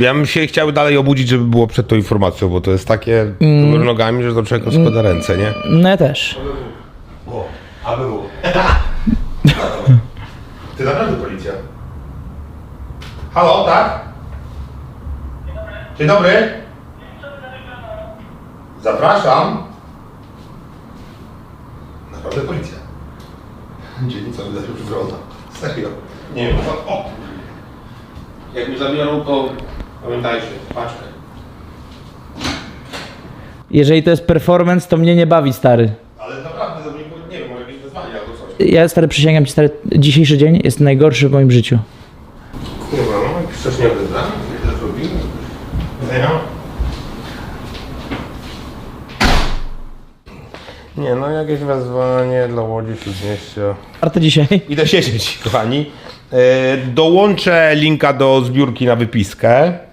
Ja bym się chciał dalej obudzić, żeby było przed tą informacją, bo to jest takie do góry nogami, że do czego składa ręce, nie? No ja też. O, aby było. Ty naprawdę policja? Halo, tak? Dzień dobry. Zapraszam. Naprawdę policja. Dzielnica wydaje się przywrona. Serio. Nie wiem, o! Jak mi zabiorą, to pamiętajcie, paczkę. Jeżeli to jest performance, to mnie nie bawi, stary. Ale naprawdę, to nie wiem, może jakieś wezwanie albo coś. Ja, stary, przysięgam ci, stary, dzisiejszy dzień jest najgorszy w moim życiu. Kurwa, no jakiś wcześniej odebrany, jak to zrobimy. Nie, no jakieś wezwanie dla Łodzi Śródmieścia. Warto dzisiaj. Idę siedzieć, kochani. Dołączę linka do zbiórki na wypiskę.